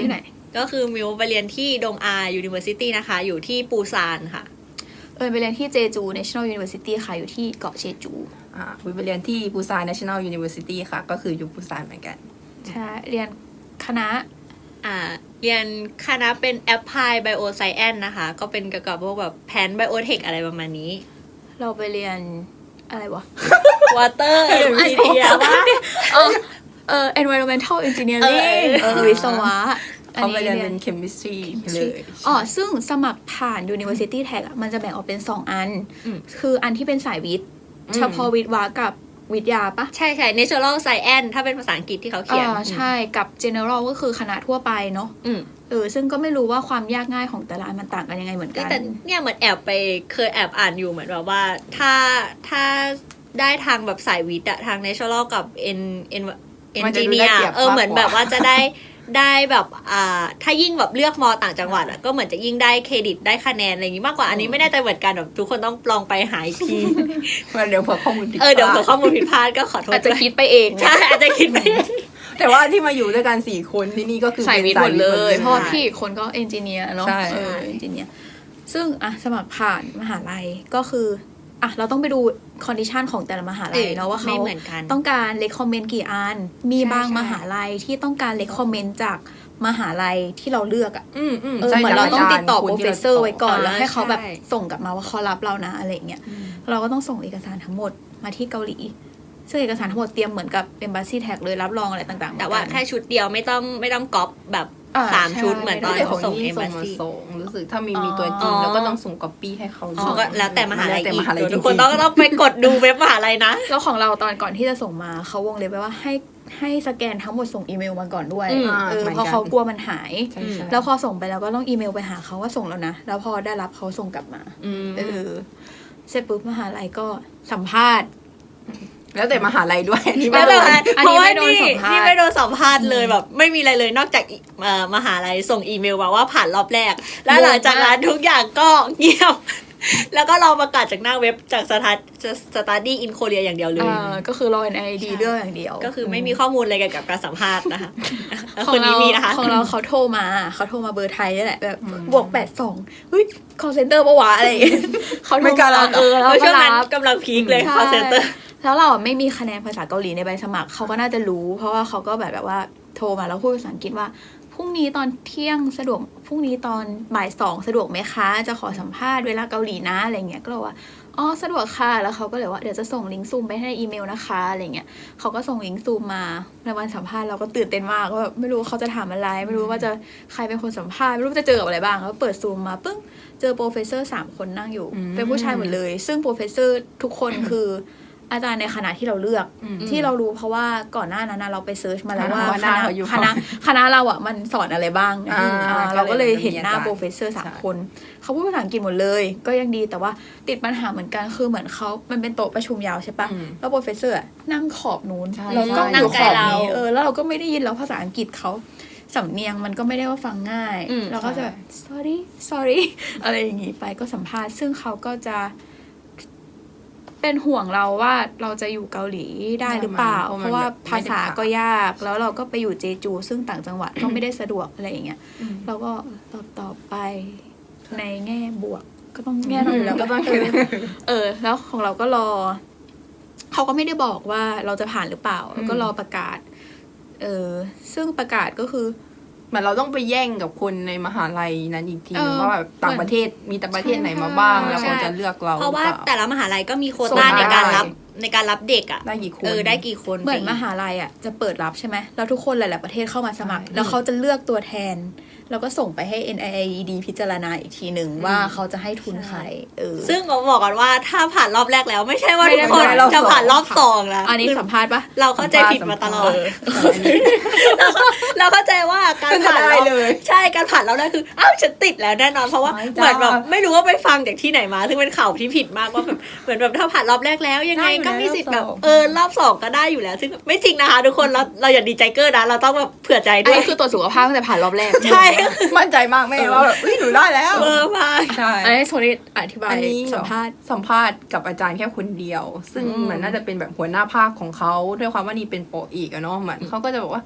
[SPEAKER 2] ก็คือมิวไปเรียนที่ดงอา University นะคะ อยู่ที่ปูซานค่ะ
[SPEAKER 1] เออไปเรียนที่เจจู National University ค่ะอยู่ที่เกาะเชจู
[SPEAKER 3] อ่าวิไปเรียนที่ปูซาน National University ค่ะ ก็คืออยู่ปูซานเหมือนกัน
[SPEAKER 1] ใช่เรียนคณะ
[SPEAKER 2] อ่าเรียนคณะเป็น Apply Bioscience นะคะ ก็เป็นเกี่ยวกับพวกแบบแพน Biotech อะไรประมาณนี้
[SPEAKER 1] เราไปเรียนอะไรวะ
[SPEAKER 2] Water มีเดียว่า
[SPEAKER 1] เออเออ environmental engineering
[SPEAKER 2] เออ
[SPEAKER 1] เออวิศวะ
[SPEAKER 3] เขาไปเรียนเป็น chemistry เลย
[SPEAKER 1] อ๋อซึ่งสมัครผ่าน University Tag อะมันจะแบ่งออกเป็นสองอัน
[SPEAKER 2] อืม
[SPEAKER 1] คืออันที่เป็นสายวิทย์
[SPEAKER 3] อืม
[SPEAKER 1] เฉพาะวิทย์วะกับวิทยาปะ
[SPEAKER 2] ใช่ใช่ Natural Science ถ้าเป็นภาษาอังกฤษที่เขาเขียน
[SPEAKER 1] อ่าใช่กับ general ก็คือคณะทั่วไปเนาะ
[SPEAKER 2] อืม
[SPEAKER 1] เออซึ่งก็ไม่รู้ว่าความยากง่ายของแต่ละอันมันต่างกันยังไงเหมือนกัน
[SPEAKER 2] แต่เนี่ยเหมือนแอบไปเคยแอบอ่านอยู่เหมือนแบบว่าถ้าถ้าได้ทางแบบสายวิทย์อะทาง Natural กับ N N
[SPEAKER 3] มันจะดูได้
[SPEAKER 2] Engineer
[SPEAKER 3] เปรียบ
[SPEAKER 2] เออ
[SPEAKER 3] มากกว่า
[SPEAKER 2] เหมือนแบบว่าจะได้ได้แบบอ่าถ้ายิ่งแบบเลือกมอต่างจังหวัดอะก็เหมือนจะยิ่งได้เครดิตได้คะแนนอะไรอย่างงี้มากกว่าอันนี้ไม่แน่ใจเหมือนกันแบบทุกคนต้องลองไปหาอีกที
[SPEAKER 3] เดี๋ยวเผื่อข้อมูลผิด
[SPEAKER 2] เออเดี๋ยว
[SPEAKER 3] พ
[SPEAKER 2] เผื่
[SPEAKER 3] ลา
[SPEAKER 2] อข้อมูลผิดพลาดก็ขอโทษ
[SPEAKER 1] อาจจะ
[SPEAKER 2] ด้วย
[SPEAKER 1] คิดไปเอง
[SPEAKER 2] ใช่อาจจะคิดไป
[SPEAKER 3] แต่ว่าที่มาอยู่ด้วยกันสี่คนที่นี่ก็คือ
[SPEAKER 1] สายวิทย์หมดเลย เพราะว่า
[SPEAKER 3] ใช่
[SPEAKER 1] พี่อีกคนก็เอนจิเนียร์เนาะ
[SPEAKER 3] ใช่
[SPEAKER 1] เออเอนจิเนียร์ซึ่งอะสมัครผ่านมหาลัยก็คืออ่ะเราต้องไปดูคอนดิชันของแต่ละมหาลัยเนาะว่าเขา
[SPEAKER 2] ไม่เหมือนกัน
[SPEAKER 1] ต้องการเลคคอมเมนต์กี่อัน มี
[SPEAKER 3] ใช่
[SPEAKER 1] บาง
[SPEAKER 3] ใช่
[SPEAKER 1] มหาลัยที่ต้องการเลคคอมเมนต์จากมหาลัยที่เราเลือกอะ
[SPEAKER 3] อืมอืม
[SPEAKER 1] เออ
[SPEAKER 3] ใช่
[SPEAKER 1] เหมือนเราต้องติดต่อ
[SPEAKER 3] จก
[SPEAKER 1] โปร
[SPEAKER 3] จ
[SPEAKER 1] เฟสเซอร์ไว้ก่อน
[SPEAKER 2] อ่า
[SPEAKER 1] แล้วให้เขาแบบ
[SPEAKER 2] ใช่
[SPEAKER 1] ส่งกลับมาว่าเขารับเรานะอะไรอย่างเงี้ยเราก็ต้องส่งเอกสารทั้งหมดมาที่เกาหลีซึ่งเอกสารทั้งหมดเตรียมเหมือนกับ Embassy Tag เลยรับรองอะไรต่างๆ
[SPEAKER 2] แต่ว่า
[SPEAKER 1] เหมือนกัน
[SPEAKER 2] แค่ชุดเดียวไม่ต้องไม่ต้องก๊อปแบบ
[SPEAKER 1] อ่า
[SPEAKER 2] สาม
[SPEAKER 1] ใช่
[SPEAKER 2] ชุดเหมือนตอน
[SPEAKER 3] แต่ข
[SPEAKER 2] เขา
[SPEAKER 3] อง
[SPEAKER 2] ส่ง
[SPEAKER 3] นี่
[SPEAKER 2] เอม
[SPEAKER 3] ส่
[SPEAKER 2] บาง
[SPEAKER 3] มา
[SPEAKER 2] ซี
[SPEAKER 3] ส่งรู้สึกถ้ามีมีตัวจ
[SPEAKER 2] อ๋
[SPEAKER 3] ริง
[SPEAKER 2] อ
[SPEAKER 3] แล้วก็ต้องส่งก๊อปปี้ให้เขา
[SPEAKER 2] เขาก็แล้วแต่มหาลัย
[SPEAKER 3] แวแต่
[SPEAKER 2] อี
[SPEAKER 3] ม
[SPEAKER 2] ก
[SPEAKER 3] หาลัย
[SPEAKER 2] เดี๋ยว
[SPEAKER 3] จริ
[SPEAKER 2] ทุ
[SPEAKER 3] ง
[SPEAKER 2] กคนต้องต้องไปกดดูเว็บมหาลัยนะ
[SPEAKER 1] แล้วของเราตอนก่อนที่จะส่งมาเขาวงเล็บไว้ว่าให้ให้สแกนทั้งหมดส่งอีเมลมาก่อนด้วย
[SPEAKER 2] อืม
[SPEAKER 1] เออเพราะเขากลัวมันหาย
[SPEAKER 3] ใช่ใช่
[SPEAKER 1] แล้วพอส่งไปแล้วก็ต้องอีเมลไปหาเขาว่าส่งแล้วนะ แล้วพอได้รับเขาส่งกลับมา
[SPEAKER 3] อืม
[SPEAKER 1] เออเสร็จปุ๊บมหาลัยก็สัมภาษณ์
[SPEAKER 3] แล้วแต่มหาลัยด้วยอันนี้
[SPEAKER 2] แล้ว
[SPEAKER 3] ไม่
[SPEAKER 2] แต่
[SPEAKER 3] รู้
[SPEAKER 2] ว่า
[SPEAKER 1] อัน
[SPEAKER 2] เพ
[SPEAKER 1] นี้
[SPEAKER 2] ราะว่า
[SPEAKER 1] ไม่โดน
[SPEAKER 2] นี่
[SPEAKER 1] สัมภาษณ์
[SPEAKER 2] นี่ไม่โดนสัมภาษณ์เลยแบบ ไม่มีอะไรเลยนอกจากอีเอ่อมหาลัยส่งอีเมลมาว่าผ่านรอบแรก แล้วหลังจากนั้นทุกอย่างก็เงียบ แล้วก็รอประกาศจากหน้าเว็บจากสถานสตาร์ดี้อินโคเรียอย่างเดียวเลย
[SPEAKER 1] เออก็คือรอ เอ็น ไอ ดี เรื่องอย่างเดียว
[SPEAKER 2] ก็คือไม่มีข้อมูลอะไรเกี่ยวกับการสัมภาษณ์นะคะแล้ว
[SPEAKER 1] ข
[SPEAKER 2] ค
[SPEAKER 1] อง
[SPEAKER 2] น
[SPEAKER 1] เรา
[SPEAKER 2] นี้มีนะคะ
[SPEAKER 1] ของเราเขาโทรมาเขาโทรมาเบอร์ไทยนี่แหละแบบบวกแปดสองเฮ้ย call center ปะวะอะไรอย่างเงี้ยเขาโทร
[SPEAKER 3] ไม่กล้ารับ
[SPEAKER 1] มาเออแล้ว
[SPEAKER 2] แล้ว
[SPEAKER 1] ก็
[SPEAKER 2] ช่วงนั้น
[SPEAKER 1] รับ
[SPEAKER 2] กำลังพีคเลย
[SPEAKER 1] ใช่
[SPEAKER 2] call center
[SPEAKER 1] แล้วเราอะไม่มีคะแนนภาษาเกาหลีในใบสมัครเขาก็น่าจะรู้ เพราะว่าเขาก็แบบแบบว่าโทรมาแล้วพูดภาษาอังกฤษว่าพรุ่งนี้ตอนเที่ยงสะดวกพรุ่งนี้ตอนบ่ายสองสะดวกไหมคะ จะขอสัมภาษณ์เวลาเกาหลีนะอะไรเงี้ยก็เลยว่าอ๋อสะดวกค่ะแล้วเขาก็เลยว่าเดี๋ยวจะส่งลิงก์ซูมไปให้ในอีเมลนะคะอะไรเงี้ยเขาก็ส่งลิงก์ซูมมาในวันสัมภาษณ์เราก็ตื่นเต้นมากว่าแบบไม่รู้เขาจะถามอะไร ไม่รู้ว่าจะใครเป็นคนสัมภาษณ์ไม่รู้จะเจอกับอะไรบ้างแล้วเปิดซูมมาปึ้งเจอโปรเฟสเซอร์สามคนนั่งอยู่
[SPEAKER 3] อืม
[SPEAKER 1] เป็นผู้ชายหมดเลย ซึ่งโปรเฟสเซอร์ทุกคนคือ อาจารย์ในคณะที่เราเลือก
[SPEAKER 3] อืม
[SPEAKER 1] ที่เรารู้เพราะว่าก่อนหน้านั้นนะเราไปเซิร์ชมาแล้วว่า
[SPEAKER 3] ว่าห
[SPEAKER 1] ค
[SPEAKER 3] น้า
[SPEAKER 1] ณะ
[SPEAKER 3] เขาอยู่
[SPEAKER 1] คณะคณะเราอ่ะมันสอนอะไรบ้าง
[SPEAKER 3] อ่า
[SPEAKER 1] อ่า
[SPEAKER 3] ก็เลย
[SPEAKER 1] เราก็เลยเห็นหน้า
[SPEAKER 3] มีอาจารย์
[SPEAKER 1] โปรเฟสเซอร์สาม
[SPEAKER 3] ใช่
[SPEAKER 1] คน เขาพูดภาษาอังกฤษหมดเลย ก็ยังดีแต่ว่าติดปัญหาเหมือนกันคือเหมือนเขามันเป็นโต๊ะประชุมยาวใช่ปะ
[SPEAKER 3] อืม
[SPEAKER 1] แล้วโปรเฟสเซอร์อะนั่งขอบนู้น
[SPEAKER 3] ใช่
[SPEAKER 1] แล้วก็
[SPEAKER 3] ใช่
[SPEAKER 1] นั่งขอบ
[SPEAKER 2] นั่งไกลเรา
[SPEAKER 1] นี้เออแล้วเราก็ไม่ได้ยินแล้วภาษาอังกฤษเขาสำเนียงมันก็ไม่ได้ว่าฟังง่าย
[SPEAKER 2] อืม
[SPEAKER 1] เราก็จะแบบ sorry sorry อะไรอย่างงี้ไปก็สัมภาษณ์ซึ่งเขาก็จะ เป็นห่วงเราว่าเราจะอยู่เกาหลีได้หรือเปล่า
[SPEAKER 3] เพราะมัน
[SPEAKER 1] เพราะว่า
[SPEAKER 3] แบบไม่ได้
[SPEAKER 1] ภาษา
[SPEAKER 3] ผ่าน
[SPEAKER 1] ก็ยาก แล้วเราก็ไปอยู่เจจู ซึ่งต่างจังหวัด ก็ไม่ได้สะดวกอะไรอย่างเงี้ย เราก็ตอบตอบไปในแง่บวก ก็ต้องแง่เราอยู่แล้ว
[SPEAKER 3] ก็ต้อง
[SPEAKER 1] เออเออ แล้วของเราก็รอ เขาก็ไม่ได้บอกว่าเราจะผ่านหรือเปล่า แล้วก็รอประกาศ เออ ซึ่งประกาศก็คือ
[SPEAKER 3] เหมือนเราต้องไปแย่งกับคนในมหาลัยนั้นอีกทีนึง
[SPEAKER 1] เออ
[SPEAKER 3] ว่าแบบต่างประเทศมีแต่ประเทศไหนมาบ้าง
[SPEAKER 1] ใช่
[SPEAKER 3] แล้วเขาจะเลือกเรา
[SPEAKER 2] เพราะว่า
[SPEAKER 3] หอปล่
[SPEAKER 2] แต่ละมหาลัยก็มีโคว
[SPEAKER 1] ส่
[SPEAKER 2] ต้าง ในการ
[SPEAKER 3] ได้
[SPEAKER 2] รับในการรับเด็กอ่ะ
[SPEAKER 3] ได้กี่คน
[SPEAKER 2] เออได้กี่คน
[SPEAKER 1] เหมือน
[SPEAKER 2] ไป
[SPEAKER 1] มหาลัยอ่ะจะเปิดรับใช่ไหมแล้วทุกคนหลาย ๆ ประเทศเข้ามาสมัคร
[SPEAKER 3] ใช่
[SPEAKER 1] แล้วเขาจะเลือกตัวแทน แล้วก็ส่งไปให้ เอ็น ไอ ไอ ดี พิจารณาอีกทีหนึ่งว่าเขาจะให้ทุนใครเออ
[SPEAKER 2] ซึ่งผมบอกก่อนว่าถ้าผ่านรอบแรกแล้วไม่ใช่ว่า
[SPEAKER 1] ไม่
[SPEAKER 2] ทุ
[SPEAKER 1] ได้
[SPEAKER 2] กคน
[SPEAKER 1] ผ่านรอบ
[SPEAKER 2] จะผ่าน
[SPEAKER 3] สอง
[SPEAKER 2] รอบสองแล้ว
[SPEAKER 1] อันนี้สัมภาษณ์ปะ
[SPEAKER 2] เราเข้าใจผิดมาตลอด
[SPEAKER 3] เออ
[SPEAKER 2] เราเข้าใจว่าการ
[SPEAKER 3] มันจะ
[SPEAKER 2] ผ่าน
[SPEAKER 3] ได้
[SPEAKER 2] รอบ
[SPEAKER 3] เลย
[SPEAKER 2] ใช่การผ่านรอบแรกคืออ้าวฉันติดแล้วแน่นอนเพราะว่า
[SPEAKER 3] ไม่
[SPEAKER 2] เหมือนแบบ
[SPEAKER 3] จ้า
[SPEAKER 2] ไม่รู้ว่าไปฟังจากที่ไหนมาซึ่งเป็นข่าวที่ผิดมากว่าแบบเหมือนแบบถ้าผ่านรอบแรกแล้วยังไง
[SPEAKER 3] ได้อยู่
[SPEAKER 2] ก็มีสิทธิ์แบบ
[SPEAKER 3] รอบสอง
[SPEAKER 2] เออรอบสองก็ได้อยู่แล้ว ซึ่งไม่จริงนะคะทุกคนเราเราอย่าดีใจเกอร์นะเราต้องแบบเผื่อใจ
[SPEAKER 1] อัน
[SPEAKER 2] ด้วย
[SPEAKER 1] นี้คือตรวจสุขภาพตั้งแต่ผ่านรอบแรก
[SPEAKER 2] ใช่
[SPEAKER 3] มั่นใจมากแม่ว่าแบบเฮ้ยหนูได้แล้ว
[SPEAKER 2] เออมาก
[SPEAKER 3] ใช่
[SPEAKER 1] อันนี้โซนิดอธิบาย
[SPEAKER 3] อันนี้
[SPEAKER 1] สัมภาษณ์
[SPEAKER 3] สัมภาษณ์กับอาจารย์แค่คนเดียว ซึ่ง
[SPEAKER 1] อืม
[SPEAKER 3] เหมือนน่าจะเป็นแบบหัวหน้าภาคของเขาด้วยความว่านี่เป็นโปรอีกอะเนาะเหมือนเขาก็จะบอกว่า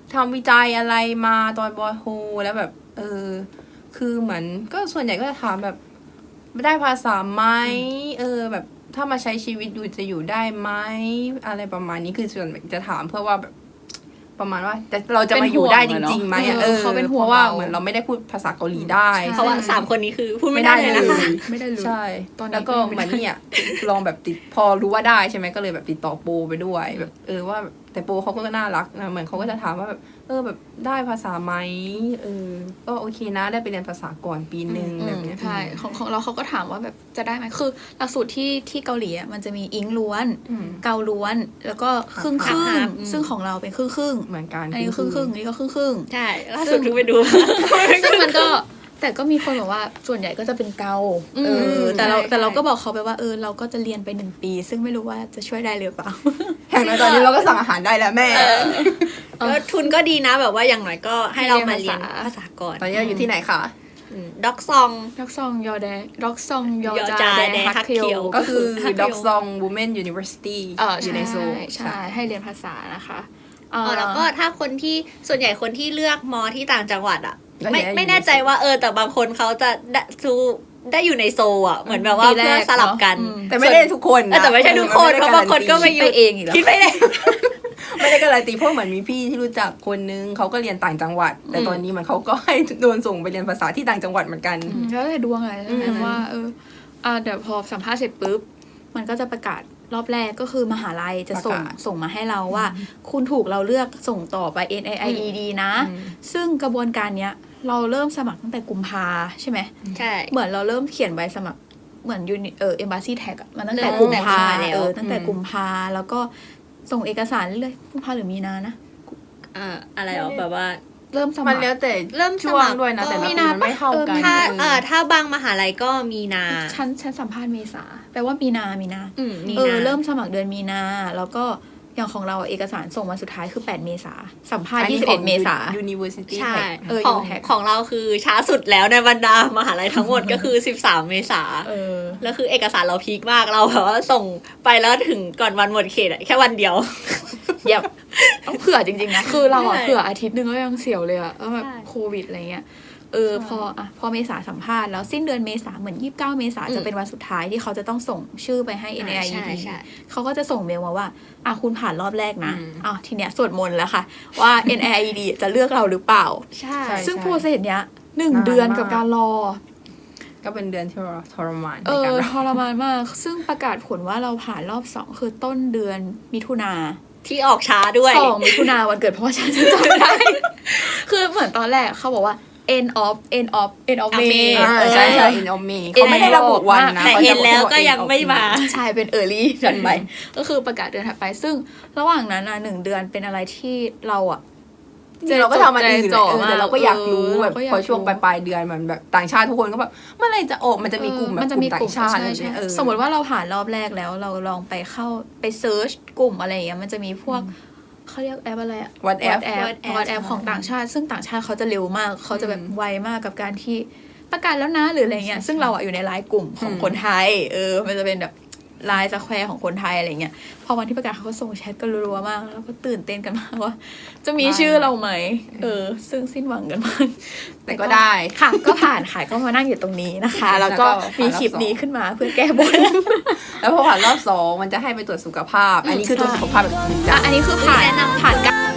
[SPEAKER 3] ทำวิจัยอะไรมาตอนบอยโฮแล้วแบบ เออ คือเหมือนก็ส่วนใหญ่ก็จะถามแบบได้ภาษาไหมเออ แบบถ้ามาใช้ชีวิตอยู่จะอยู่ได้ไหมอะไรประมาณนี้คือส่วนใหญ่จะถามเพื่อว่าแบบประมาณว่าแต่เราจะมาอยู่ได้จริงๆไหมอะเออ
[SPEAKER 1] เขาเป็นห่วง
[SPEAKER 3] เพราะว่า
[SPEAKER 1] เรา
[SPEAKER 3] เหมือนเราไม่ได้พูดภาษาเกาหลีได้
[SPEAKER 2] เพราะว่าสามคนนี้คือพูดไม่ได้เลยนะคะ
[SPEAKER 1] ไม่ได้เลย
[SPEAKER 3] ใช่
[SPEAKER 1] ตอนนี้
[SPEAKER 3] แล้วก็
[SPEAKER 1] ไม่
[SPEAKER 3] เหมื
[SPEAKER 1] ได้
[SPEAKER 3] อนเนี่ยลองแบบติดพอรู้ว่าได้ใช่ไหมก็เลยแบบติดต่อโปรไปด้วยแบบเออว่าแบบแต่โปรเขาก็น่ารักนะเหมือนเขาก็จะถามว่าแบบเออแบบได้ภาษาไหมเออก็โอเคนะได้ไปเรียนภาษาก่อนปีหนึ่งแบบเนี้ย
[SPEAKER 1] ใช่ของของเราเขาก็ถามว่าแบบจะได้ไหมคือหลักสูตรที่ที่เกาหลีอ่ะมันจะมีอิงล้วน
[SPEAKER 3] อืม
[SPEAKER 1] เกาล้วน แล้วก็ครึ่งครึ่ง
[SPEAKER 2] ครับอืม
[SPEAKER 1] ซึ่งของเราเป็นครึ่งครึ่ง
[SPEAKER 3] เหมือนกัน
[SPEAKER 1] อันนี้ก็ครึ่งครึ่งอันนี้ก็ครึ่งครึ่ง
[SPEAKER 2] ใช่ล่าสุดเพิ่งไปดู
[SPEAKER 1] ซึ่งมันก็แต่ก็มีคนบอกว่าส่วนใหญ่ก็จะเป็นเกาเออแต่เรา
[SPEAKER 2] ใช่
[SPEAKER 1] แต่เราก็บอกเขาไปว่าเออเราก็จะเรียนไปหนึ่งปี ซึ่งไม่รู้ว่าจะช่วยได้หรือเปล่า
[SPEAKER 3] อย่างน้อยตอนนี้เราก็สั่งอาหารได้แล้วแม่
[SPEAKER 2] ก็ทุนก็ดีนะแบบว่าอย่างน้อยก็ให้เรามาเรียน
[SPEAKER 1] เรียนภาษา
[SPEAKER 2] ภาษาก่อน
[SPEAKER 3] ตอนนี้เราอยู่ที่ไหนคะ
[SPEAKER 2] ด็อกซอง
[SPEAKER 1] ด็อกซองยอแดด็อกซองยอย
[SPEAKER 2] อ
[SPEAKER 1] จา
[SPEAKER 2] จา
[SPEAKER 1] แด
[SPEAKER 2] แด
[SPEAKER 1] ฮัก
[SPEAKER 2] ฮัก
[SPEAKER 1] เคี
[SPEAKER 2] เคี
[SPEAKER 1] ย
[SPEAKER 2] ยว ว
[SPEAKER 3] ก็คือ
[SPEAKER 2] ก็คือ
[SPEAKER 3] Dog Song Women University
[SPEAKER 1] เออ
[SPEAKER 3] อยู่ในโซล
[SPEAKER 1] ใช่ให้เรียนภาษานะคะเอ่อ
[SPEAKER 2] อ๋อแล้วก็ถ้าคนที่ส่วนใหญ่คนที่เลือกมอที่ต่างจังหวัดอ่ะ
[SPEAKER 3] ก็
[SPEAKER 2] ไม่
[SPEAKER 3] ย้ายอยู่
[SPEAKER 2] ไม่แน่ใจว่าเออแต่บางคนเขาจะได้ซูได้อยู่ในโซลอ่ะเหมือนแบบว่า
[SPEAKER 1] ปีแรก
[SPEAKER 2] เพื่อสลับกัน
[SPEAKER 1] เนอะอืม
[SPEAKER 3] แต่ไม่ได้ทุกคน
[SPEAKER 2] เออ
[SPEAKER 3] นะ
[SPEAKER 2] แต่ไม่ใช่ทุกคน
[SPEAKER 3] ออ
[SPEAKER 2] เพราะบางคนก็
[SPEAKER 3] ไม่
[SPEAKER 2] มา
[SPEAKER 3] ได้
[SPEAKER 2] อยู่
[SPEAKER 1] ไปเองอีกแล้ว
[SPEAKER 2] คิดไม่ได้
[SPEAKER 3] ไม่ได้การันตีเพราะเหมือนมีพี่ที่รู้จักคนนึงเขาก็เรียนต่างจังหวัด แต่
[SPEAKER 1] อืม
[SPEAKER 3] ตอนนี้เหมันเขาก็ให้โดนส่งไปเรียนภาษาที่ต่างจังหวัดเหมือนกัน
[SPEAKER 1] อืมแล้วแต่ดวงอะไรใช่ไหม
[SPEAKER 3] อืม
[SPEAKER 1] ว่าเอออ่าเดี๋ยวพอสัมภาษณ์เสร็จปุ๊บ มันก็จะประกาศรอบแรกก็คือมหาลัยจะส่ง
[SPEAKER 3] ประกาศ
[SPEAKER 1] ส่งมาให้เราว่า คุณถูกเราเลือกส่งต่อไป เอ็น ไอ ไอ อี ดี นะ
[SPEAKER 3] อืม
[SPEAKER 1] ซึ่งกระบวนการเนี้ย เราเริ่มสมัครตั้งแต่กุมภาใช่ไหม
[SPEAKER 2] ใช่
[SPEAKER 1] เหมือนเราเริ่มเขียนใบสมัครเหมือนยูนิเออเอมบาซีแท็กอะมันตั้งแต่
[SPEAKER 2] เริ่ม
[SPEAKER 1] กุมภา
[SPEAKER 2] ตั้งแต่กุมภาแล้ว
[SPEAKER 1] เออตั้งแต่
[SPEAKER 3] อืม
[SPEAKER 1] กุมภาแล้วก็ส่งเอกสารเรื่อยๆกุมภาหรือมีนานะ
[SPEAKER 2] เอ่ออะไรหรอแบบว่า
[SPEAKER 1] เริ่มส
[SPEAKER 3] มั
[SPEAKER 1] มัน คร
[SPEAKER 3] แล้วแต่
[SPEAKER 2] เริ่มส
[SPEAKER 3] ช่ว
[SPEAKER 2] มั
[SPEAKER 3] ง
[SPEAKER 2] คร
[SPEAKER 3] ด้วยนะ
[SPEAKER 2] ก็
[SPEAKER 3] แต่ละ
[SPEAKER 1] มี
[SPEAKER 3] ปี
[SPEAKER 1] นา
[SPEAKER 3] มันไม่
[SPEAKER 1] ปะ
[SPEAKER 3] เท่า
[SPEAKER 1] เออ
[SPEAKER 3] กัน
[SPEAKER 2] ถ้า
[SPEAKER 3] เอ
[SPEAKER 2] เอ่
[SPEAKER 3] อ
[SPEAKER 2] อถ้าบางมหาลัยก็มีนา
[SPEAKER 1] ฉันฉันสัมภาษณ์เมษาแปลว่ามีนามีนา
[SPEAKER 2] อืมมี
[SPEAKER 1] เออ
[SPEAKER 2] นา
[SPEAKER 1] เริ่มสมัครเดือนมีนา แล้วก็อย่างของเราอะเอกสารส่งมาสุดท้ายคือแปดเมษาสัมภาษณ์ยี่สิบเอ็ดเมษา
[SPEAKER 3] University
[SPEAKER 2] ใช่
[SPEAKER 3] Tech
[SPEAKER 1] เออ
[SPEAKER 2] ของ
[SPEAKER 1] อยู่แท็ก
[SPEAKER 2] ของเราคือช้าสุดแล้วในบรรดามหาลัยทั้งหมดก็คือสิบสามเมษา
[SPEAKER 1] เออ
[SPEAKER 2] แล้วคือเอกสารเราพีคมากเราแบบว่าส่งไปแล้วถึงก่อนวันหมดเขตอะแค่วันเดียว
[SPEAKER 1] เย็บต้องเผื่อจริงๆนะ คือเราอะ
[SPEAKER 2] ใช่
[SPEAKER 1] เผื่ออาทิตย์หนึงก็ยังเสียวเลยอะแล้วแบบ
[SPEAKER 2] ใช่
[SPEAKER 1] โควิดอะไรเงี้ย เออพออะพอเมษาสัมภาษณ์แล้วสิ้นเดือนเมษาเหมือนยี่สิบเก้าเมษาจะเป็นวันสุดท้ายที่เขาจะต้องส่งชื่อไปให้ เอ็น ไอ ไอ อี
[SPEAKER 2] ใช่
[SPEAKER 1] ดี
[SPEAKER 2] ใช่
[SPEAKER 1] เขาก็จะส่งเมลมาว่าอ่ะคุณผ่านรอบแรกนะ
[SPEAKER 3] อืม
[SPEAKER 1] อ้าวทีเนี้ยสวดมนต์แล้วค่ะ ว่า เอ็น ไอ ไอ อี ดี จะเลือกเราหรือเปล่า
[SPEAKER 2] ใช่
[SPEAKER 3] ใช่
[SPEAKER 1] ซึ่งโปรเซสเนี้ยหนึ่ง
[SPEAKER 3] นาน
[SPEAKER 1] เดือน
[SPEAKER 3] มาก
[SPEAKER 1] กับการรอ
[SPEAKER 3] ก็เป็นเดือนที่เราทรมานใน
[SPEAKER 1] เออ
[SPEAKER 3] การร
[SPEAKER 1] ทรมานมาก ซึ่งประกาศผลว่าเราผ่านรอบสองคือต้นเดือนมิถุนา
[SPEAKER 2] ที่ออกช้าด้วย
[SPEAKER 1] สองมิถุนาวันเกิดพ่อฉันจะจำไม่ได้ คือเหมือนตอนแรกเขาบอกว่า end of end of end of May
[SPEAKER 2] May
[SPEAKER 3] อ่า
[SPEAKER 1] เออ
[SPEAKER 3] ใช่ใช่ in of May เขาไม่ได้ระบุวันนะ
[SPEAKER 2] แต่
[SPEAKER 3] ขา
[SPEAKER 2] เห็
[SPEAKER 3] จะ
[SPEAKER 2] น
[SPEAKER 3] บอก
[SPEAKER 2] แล้วก็
[SPEAKER 3] ว่า
[SPEAKER 2] ยัง
[SPEAKER 3] end of
[SPEAKER 2] ไม่มา
[SPEAKER 3] May
[SPEAKER 1] ใช่เป็น early ถัดไป ก็คือประกาศเดือนถัดไป ซึ่งระหว่างนั้นนะหนึ่งเดือนเป็นอะไรที่เราอะ
[SPEAKER 3] จริงเราก็ทำมันอื่นแหละ
[SPEAKER 1] ใจจ่อ
[SPEAKER 3] เออแต่เราก็อยากรู้
[SPEAKER 1] เออ
[SPEAKER 3] แบบ
[SPEAKER 1] เราก็อยาก
[SPEAKER 3] พอช่วง
[SPEAKER 1] รู้
[SPEAKER 3] ปลายปลายๆเดือนมันแบบต่างชาติทุกคนก็แบบเมื่อไหรจะออกมันจะมีกลุ่มแบบ
[SPEAKER 1] มันจะ
[SPEAKER 3] กลุ่
[SPEAKER 1] มี
[SPEAKER 3] มต่างชาติ
[SPEAKER 1] ใช่
[SPEAKER 3] อะไร
[SPEAKER 1] ใช่
[SPEAKER 3] เงี้ยเออ
[SPEAKER 1] สมมติว่าเราผ่านรอบแรกแล้วเราลองไปเข้าไปเซิร์ชกลุ่มอะไรอย่างเงี้ยมันจะมีพวกเขาเรียกแอปอะไรอะ
[SPEAKER 3] WhatsApp
[SPEAKER 1] WhatsApp
[SPEAKER 2] WhatsApp
[SPEAKER 1] WhatsApp ของต่างชาติ ซึ่งต่างชาติเขาจะเร็วมาก เขาจะแบบ
[SPEAKER 3] อืม
[SPEAKER 1] ไวมากกับการที่ประกาศแล้วนะหรืออะไรเงี้ย ซึ่งเราอะอยู่ในไลน์กลุ่มของ
[SPEAKER 3] อืม
[SPEAKER 1] คนไทย เออ มันจะเป็นแบบไลน์สแควร์ของคนไทยอะไรเงี้ย พอวันที่ประกาศเขาก็ส่งแชทกันรัวๆมาก แล้วก็ตื่นเต้นกันมากว่า จะมีชื่อเราไหม เออ ซึ่งสิ้นหวังกันมาก
[SPEAKER 3] แต่ก็ได้
[SPEAKER 1] ค่ะ ก็ผ่านค่ะ ก็มานั่งอยู่ตรงนี้นะคะ แล้วก็
[SPEAKER 3] แล้วก็
[SPEAKER 1] มีคลิปนี้ขึ้นมาเพื่อแก้บน
[SPEAKER 3] แล้วพอผ่านรอบสองมันจะให้ไปตรวจสุขภาพ อันนี้คือตรวจสุขภาพแบบจริงจั
[SPEAKER 1] อ่ะ
[SPEAKER 3] ง
[SPEAKER 1] อันนี้คือผ่านผ่านการ